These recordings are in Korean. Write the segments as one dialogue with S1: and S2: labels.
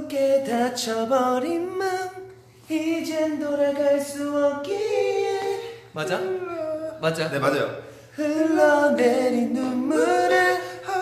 S1: 굳게 닫혀버린 맘 이젠 돌아갈 수 없기에. 맞아? 맞아.
S2: 네 맞아요.
S1: 흘러내린 눈물을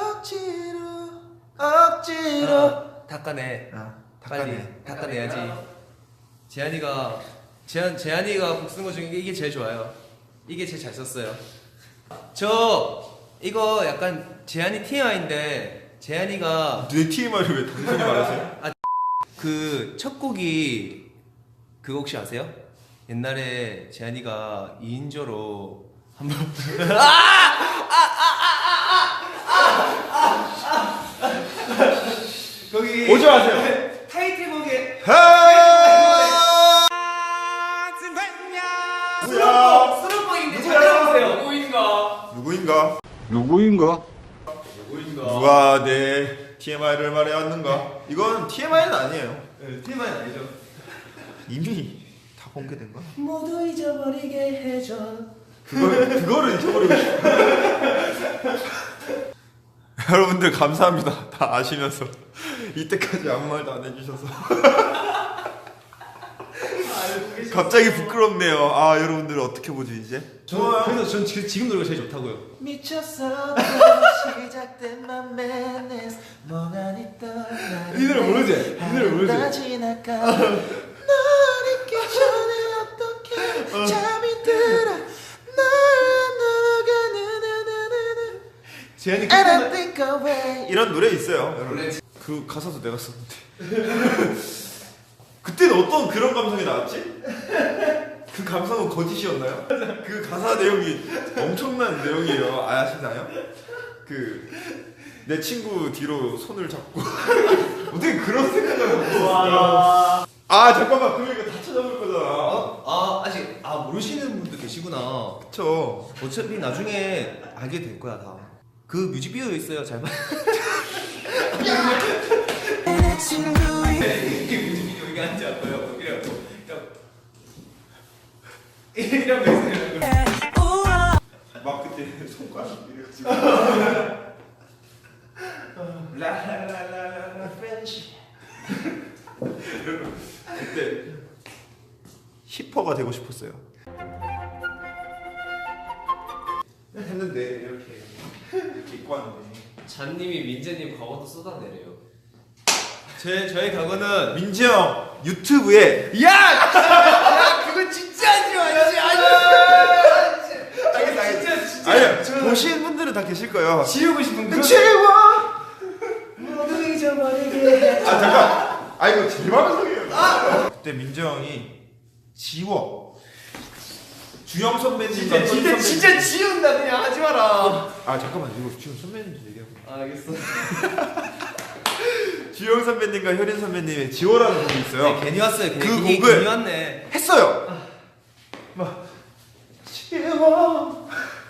S1: 억지로 닦아내. 빨리 닦아내야지. 재한이가 곡 쓴 거 중에 이게 제일 좋아요. 이게 제일 잘 썼어요. 저 이거 약간 재한이 TMI인데 재한이가
S2: 내 TMI를 왜 당신이 말하세요?
S1: 그 첫 곡이 그거 혹시 아세요? 옛날에 재한이가 2인조로 한번 거기
S2: 오지 마세요.
S1: 타이틀곡에
S2: 누구야?
S1: 수록곡인데 잘 들어보세요.
S2: 누구인가?
S3: 누구인가?
S2: 누가 내 TMI를 말해왔는가? 이건 TMI는 아니에요.
S1: 네, TMI는 아니죠.
S2: 이미 다 공개된 거야.
S1: 모두 잊어버리게 해줘.
S2: 그거를 잊어버리고 싶어. 여러분들 감사합니다. 다 아시면서 이때까지 아무 말도 안 해주셔서 갑자기 부끄럽네요. 아 여러분들 어떻게 보지 이제?
S1: 그래서 전 지금 노래가 제일 좋다고요. 미쳤어 시작된 맘에 멍하니 떠나.
S2: 이 노래 모르지? 이 노래 모르지?
S1: 지나가. 널 잊기 전에 어떻게 잠이 들어. 재현이
S2: 이런 노래 있어요. 여러분. 그 가사도 내가 썼는데. 그때는 어떤 그런 감성이 나왔지? 그 감성은 거짓이었나요? 그 가사 내용이 엄청난 내용이에요. 아시나요? 그 내 친구 뒤로 손을 잡고 어떻게 그런 생각을 하고 있어? 아 잠깐만 그럼 이거 다 찾아볼 거잖아.
S1: 아직 모르시는 분도 계시구나.
S2: 그쵸.
S1: 어차피 나중에 알게 될 거야 다. 그 뮤직비디오 있어요. 잘 봐. 이게 뮤직비디오 이게 한지 알고요. 이런 거 있어요.
S2: 막 그때 손가락 이래가지고
S1: 라라라라라 프렌치.
S2: 그때 힙퍼가 되고 싶었어요. 했는데 이렇게 입고 왔는데
S1: 잔님이 민재님 과거도 쏟아내래요. 저의 과거는
S2: 민지 형 유튜브에
S1: 야 그거 진짜 하지 마. 진짜.
S2: 아니 보신 분들은 다 계실 거예요.
S1: 지우고 싶은 그
S2: 지워.
S1: 모두 잊어버리게.
S2: 잠깐. 이거 제 방송이에요. 그때 민지 형이 지워. 주영 선배님과
S1: 진짜 지운다 그냥 하지 마라.
S2: 잠깐만 이거 주영 선배님 얘기하고.
S1: 알겠어.
S2: 주영 선배님과 효린 선배님의 지워라는 곡이 있어요.
S1: 네, 괜히 왔어요.
S2: 그
S1: 괜히
S2: 곡을
S1: 왔네.
S2: 했어요. 막 지워.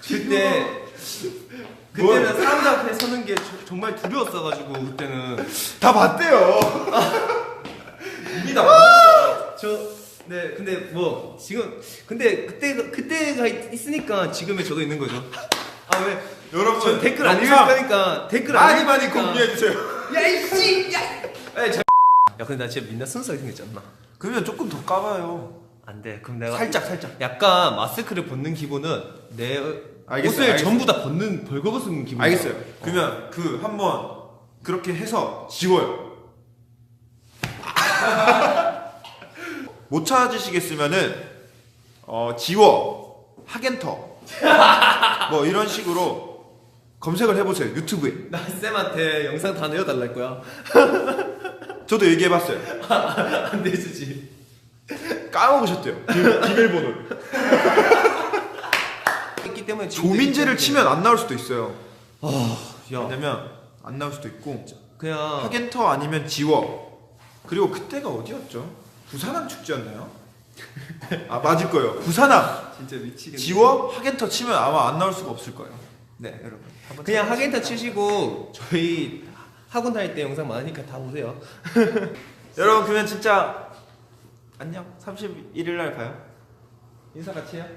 S1: 그때는 사람들 앞에 서는 게 정말 두려웠어가지고 그때는
S2: 다 봤대요.
S1: 이미 다 봤어. 네 근데 뭐 지금 근데 그때가 있으니까 지금의 저도 있는 거죠. 왜
S2: 여러분
S1: 댓글 안 읽을 거니까 댓글 안
S2: 많이
S1: 읽을 거니까.
S2: 공유해 주세요.
S1: 야 이씨 야 근데 나 진짜 민낯 순수하게 생겼지 않나?
S2: 그러면 조금 더 까봐요.
S1: 안 돼. 그럼 내가
S2: 살짝.
S1: 약간 마스크를 벗는 기분은 내
S2: 알겠어요,
S1: 옷을 전부 다 벌거벗은 기분.
S2: 알겠어요. 그러면 그 한번 그렇게 해서 지워요. 못 찾으시겠으면은 지워 하겐터 뭐 이런 식으로 검색을 해보세요 유튜브에.
S1: 나 쌤한테 영상 다 내어달랄 거야.
S2: 저도 얘기해봤어요.
S1: 안 내주지.
S2: 까먹으셨대요. 비밀번호를.
S1: 있기 때문에 지금
S2: 조민재를 치면 안 나올 수도 있어요.
S1: 야
S2: 왜냐면 안 나올 수도 있고
S1: 그냥
S2: 하겐터 아니면 지워. 그리고 그때가 어디였죠? 부산항 축제였나요? 맞을 거예요. 부산항
S1: 진짜 미치겠네.
S2: 지워 하겐터 치면 아마 안 나올 수가 없을 거예요. 네 여러분 한번
S1: 그냥 하겐타 치시고 저희 학원 다닐 때 영상 많으니까 다 보세요.
S2: 여러분 그러면 진짜 안녕. 31일 날 봐요. 인사 같이 해요.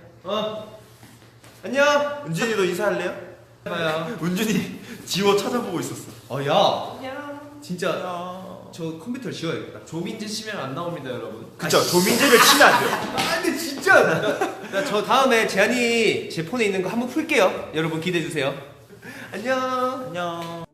S1: 안녕.
S2: 은준이도 인사할래요?
S1: 봐요.
S2: 은준이 지워 찾아보고 있었어.
S1: 야.
S2: 안녕.
S1: 진짜
S2: 안녕.
S1: 저 컴퓨터를 지워야겠다.
S3: 조민재 치면 안 나옵니다, 여러분.
S2: 그쵸, 조민재를 치면 안 돼요.
S1: 아 근데 진짜. 저 다음에 제한이 제 폰에 있는 거 한번 풀게요. 여러분 기대해 주세요. 안녕.
S2: 안녕.